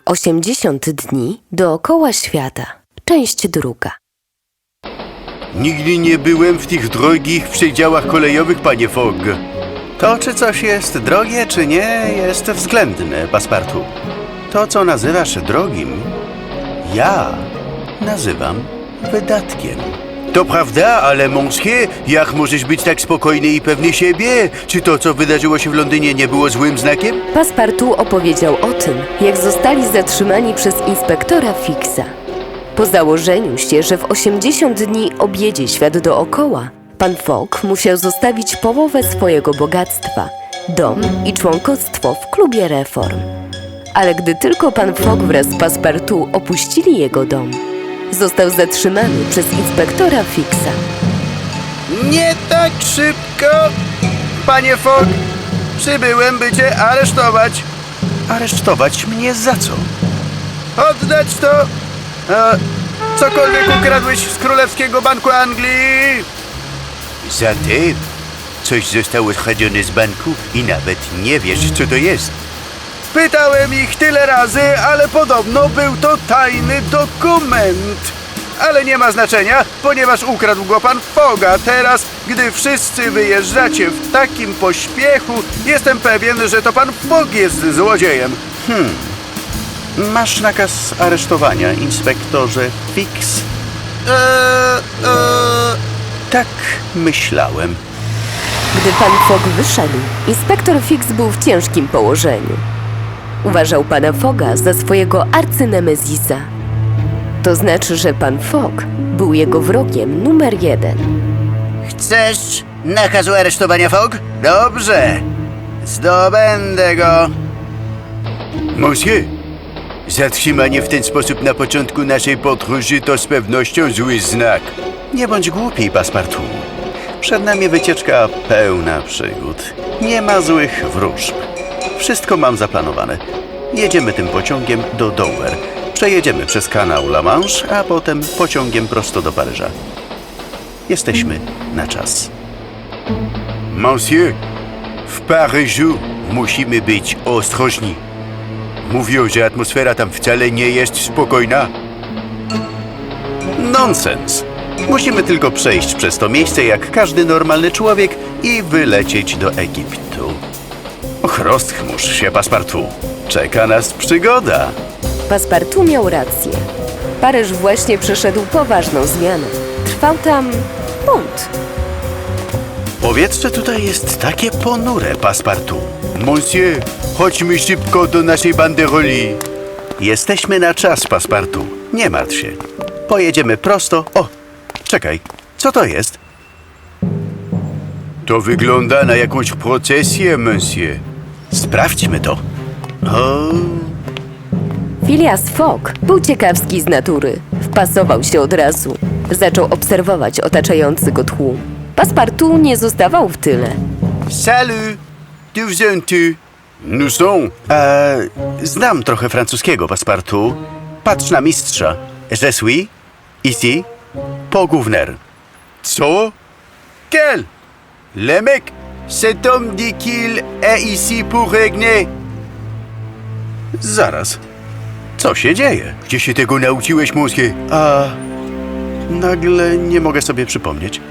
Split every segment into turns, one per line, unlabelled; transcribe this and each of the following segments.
80 dni dookoła świata. Część druga.
Nigdy nie byłem w tych drogich przedziałach kolejowych, panie Fogg. To, czy coś jest drogie, czy nie, jest względne, Passepartout. To, co nazywasz drogim, ja nazywam wydatkiem. To prawda, ale monsieur, jak możesz być tak spokojny i pewny siebie? Czy to, co wydarzyło się w Londynie, nie było złym znakiem?
Passepartout opowiedział o tym, jak zostali zatrzymani przez inspektora Fixa. Po założeniu się, że w 80 dni objedzie świat dookoła, pan Fogg musiał zostawić połowę swojego bogactwa, dom i członkostwo w klubie Reform. Ale gdy tylko pan Fogg wraz z Passepartout opuścili jego dom, został zatrzymany przez inspektora Fixa.
Nie tak szybko, panie Fogg. Przybyłem, by cię aresztować. Aresztować mnie za co? Oddać to! Cokolwiek ukradłeś z Królewskiego Banku Anglii! Zatem coś zostało skradzione z banku i nawet nie wiesz, co to jest. Pytałem ich tyle razy, ale podobno był to tajny dokument. Ale nie ma znaczenia, ponieważ ukradł go pan Fogga. Teraz, gdy wszyscy wyjeżdżacie w takim pośpiechu, jestem pewien, że to pan Fogg jest złodziejem. Masz nakaz aresztowania, inspektorze Fix? Tak myślałem.
Gdy pan Fogg wyszedł, inspektor Fix był w ciężkim położeniu. Uważał pana Fogga za swojego arcynemezisa. To znaczy, że pan Fogg był jego wrogiem numer 1.
Chcesz nakazu aresztowania, Fogg? Dobrze. Zdobędę go. Monsieur, zatrzymanie w ten sposób na początku naszej podróży to z pewnością zły znak. Nie bądź głupi, Passepartout. Przed nami wycieczka pełna przygód. Nie ma złych wróżb. Wszystko mam zaplanowane. Jedziemy tym pociągiem do Dover. Przejedziemy przez kanał La Manche, a potem pociągiem prosto do Paryża. Jesteśmy na czas. Monsieur, w Paryżu musimy być ostrożni. Mówią, że atmosfera tam wcale nie jest spokojna. Nonsens. Musimy tylko przejść przez to miejsce jak każdy normalny człowiek i wylecieć do Egiptu. Och, rozchmurz się, Passepartout. Czeka nas przygoda.
Passepartout miał rację. Paryż właśnie przeszedł poważną zmianę. Trwał tam bunt.
Powietrze tutaj jest takie ponure, Passepartout. Monsieur, chodźmy szybko do naszej banderoli. Jesteśmy na czas, Passepartout. Nie martw się. Pojedziemy prosto. O, czekaj, co to jest? To wygląda na jakąś procesję, monsieur. Sprawdźmy to. O,
Phileas Fogg był ciekawski z natury. Wpasował się od razu. Zaczął obserwować otaczający go tłum. Passepartout nie zostawał w tyle.
salut! D'où viens-tu? Nous sommes. Znam trochę francuskiego, Passepartout. Patrz na mistrza. Je suis ici pour gouverner. Co? Quel? Le mec, cet homme dit qu'il est ici pour régner. Zaraz. Co się dzieje? Gdzie się tego nauczyłeś, monsieur? Nagle nie mogę sobie przypomnieć.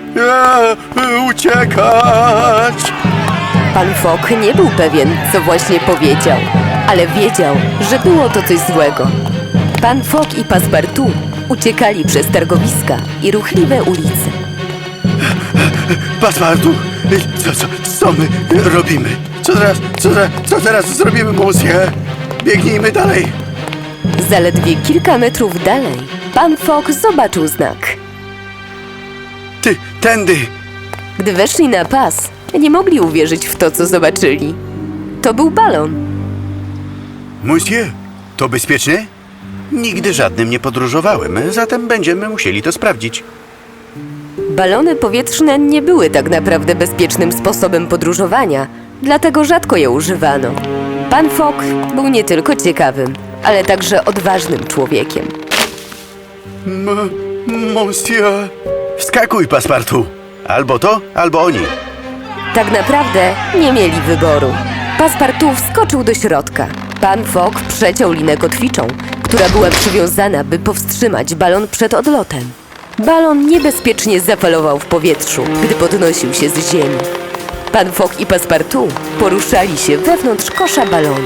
Uciekać!
Pan Fogg nie był pewien, co właśnie powiedział, ale wiedział, że było to coś złego. Pan Fogg i Passepartout uciekali przez targowiska i ruchliwe ulice.
Passepartout, co my robimy? Co teraz zrobimy, monsieur? Biegnijmy dalej.
Zaledwie kilka metrów dalej pan Fogg zobaczył znak.
Tędy.
Gdy weszli na pas, nie mogli uwierzyć w to, co zobaczyli. To był balon.
Monsieur, to bezpieczne? Nigdy żadnym nie podróżowałem, zatem będziemy musieli to sprawdzić.
Balony powietrzne nie były tak naprawdę bezpiecznym sposobem podróżowania, dlatego rzadko je używano. Pan Fogg był nie tylko ciekawym, ale także odważnym człowiekiem.
Monsieur. Wskakuj, Passepartout. Albo to, albo oni.
Tak naprawdę nie mieli wyboru. Passepartout wskoczył do środka. Pan Fogg przeciął linę kotwiczą, która była przywiązana, by powstrzymać balon przed odlotem. Balon niebezpiecznie zafalował w powietrzu, gdy podnosił się z ziemi. Pan Fogg i Passepartout poruszali się wewnątrz kosza balonu.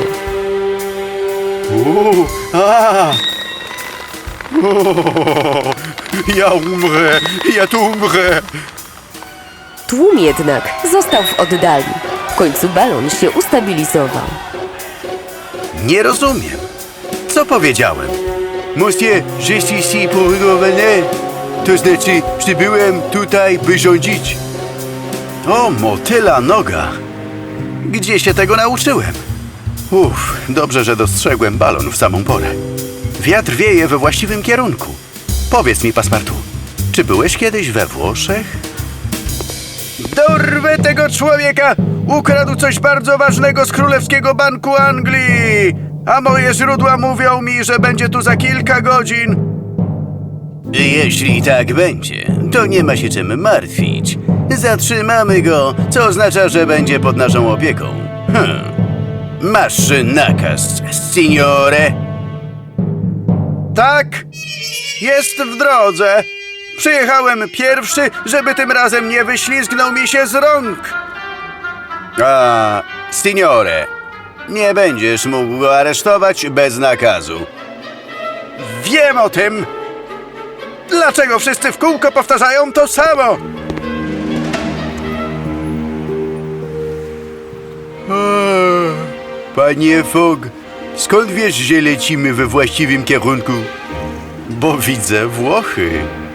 Ja umrę, ja tu umrę.
Tłum jednak został w oddali. W końcu balon się ustabilizował.
Nie rozumiem. Co powiedziałem? Monsieur, je suis ici pour gouverner. To znaczy, przybyłem tutaj, by rządzić. O, motyla noga. Gdzie się tego nauczyłem? Dobrze, że dostrzegłem balon w samą porę. Wiatr wieje we właściwym kierunku. Powiedz mi, Passepartout, czy byłeś kiedyś we Włoszech? Dorwę tego człowieka! Ukradł coś bardzo ważnego z Królewskiego Banku Anglii! A moje źródła mówią mi, że będzie tu za kilka godzin. Jeśli tak będzie, to nie ma się czym martwić. Zatrzymamy go, co oznacza, że będzie pod naszą opieką. Masz nakaz, signore? Tak, jest w drodze. Przyjechałem pierwszy, żeby tym razem nie wyślizgnął mi się z rąk. Signore, nie będziesz mógł go aresztować bez nakazu. Wiem o tym. Dlaczego wszyscy w kółko powtarzają to samo? Panie Fogg, skąd wiesz, że lecimy we właściwym kierunku? Bo widzę Włochy.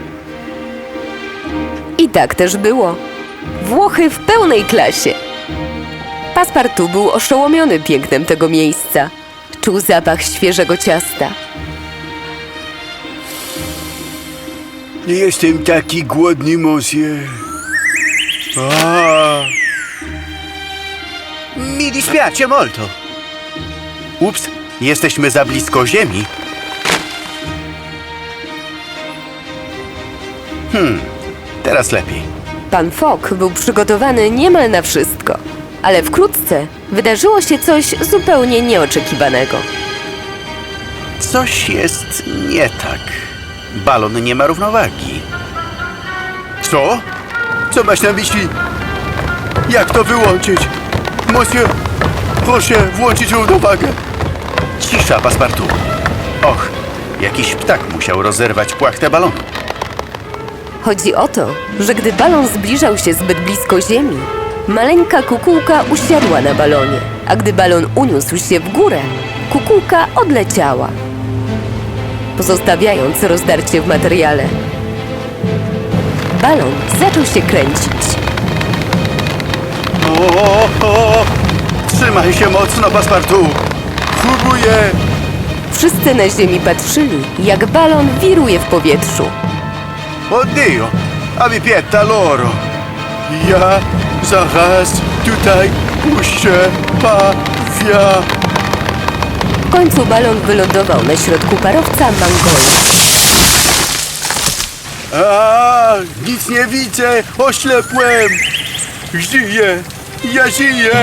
I tak też było. Włochy w pełnej klasie. Passepartout był oszołomiony pięknem tego miejsca. Czuł zapach świeżego ciasta.
Jestem taki głodny, monsieur. Mi dispiace molto. Ups, jesteśmy za blisko ziemi. Teraz lepiej.
Pan Fogg był przygotowany niemal na wszystko. Ale wkrótce wydarzyło się coś zupełnie nieoczekiwanego.
Coś jest nie tak. Balon nie ma równowagi. Co? Co masz na myśli? Jak to wyłączyć? Monsieur, proszę włączyć równowagę. Cisza, Passepartout. Och, jakiś ptak musiał rozerwać płachtę balonu.
Chodzi o to, że gdy balon zbliżał się zbyt blisko ziemi, maleńka kukułka usiadła na balonie, a gdy balon uniósł się w górę, kukułka odleciała, pozostawiając rozdarcie w materiale. Balon zaczął się kręcić.
Trzymaj się mocno, Passepartout. Próbuję.
Wszyscy na ziemi patrzyli, jak balon wiruje w powietrzu.
Oddio, avipietta loro. Ja zaraz tutaj puszczę pawia.
W końcu balon wylądował na środku parowca Mangoli.
Nic nie widzę, oślepłem. Żyję, ja żyję.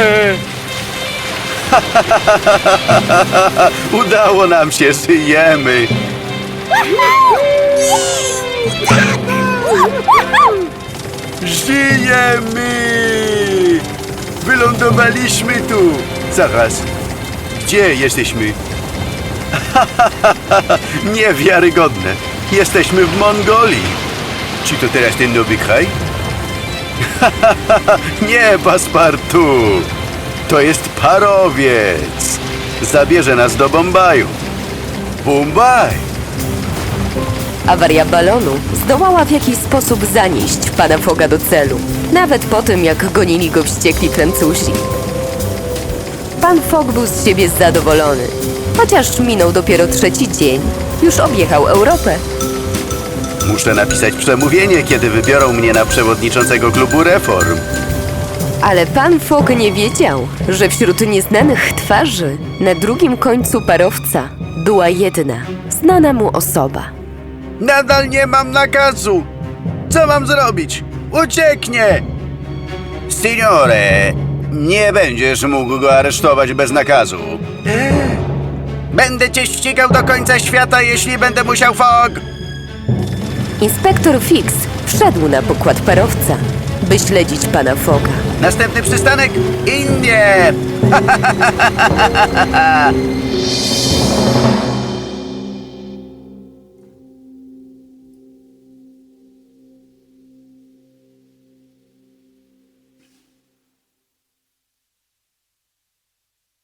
Udało nam się, żyjemy. Żyjemy! Wylądowaliśmy tu! Zaraz, gdzie jesteśmy? Niewiarygodne! Jesteśmy w Mongolii! Czy to teraz ten nowy kraj? Nie, Passepartout! To jest parowiec! Zabierze nas do Bombaju! Bombaj!
Awaria balonu zdołała w jakiś sposób zanieść pana Fogga do celu, nawet po tym, jak gonili go wściekli Francuzi. Pan Fogg był z siebie zadowolony. Chociaż minął dopiero 3. dzień, już objechał Europę.
Muszę napisać przemówienie, kiedy wybiorą mnie na przewodniczącego klubu reform.
Ale pan Fogg nie wiedział, że wśród nieznanych twarzy na drugim końcu parowca była jedna, znana mu osoba.
Nadal nie mam nakazu. Co mam zrobić? Ucieknie! Signore, nie będziesz mógł go aresztować bez nakazu. Będę cię ścigał do końca świata, jeśli będę musiał, Fogg!
Inspektor Fix wszedł na pokład parowca, by śledzić pana Fogga.
Następny przystanek? Indie!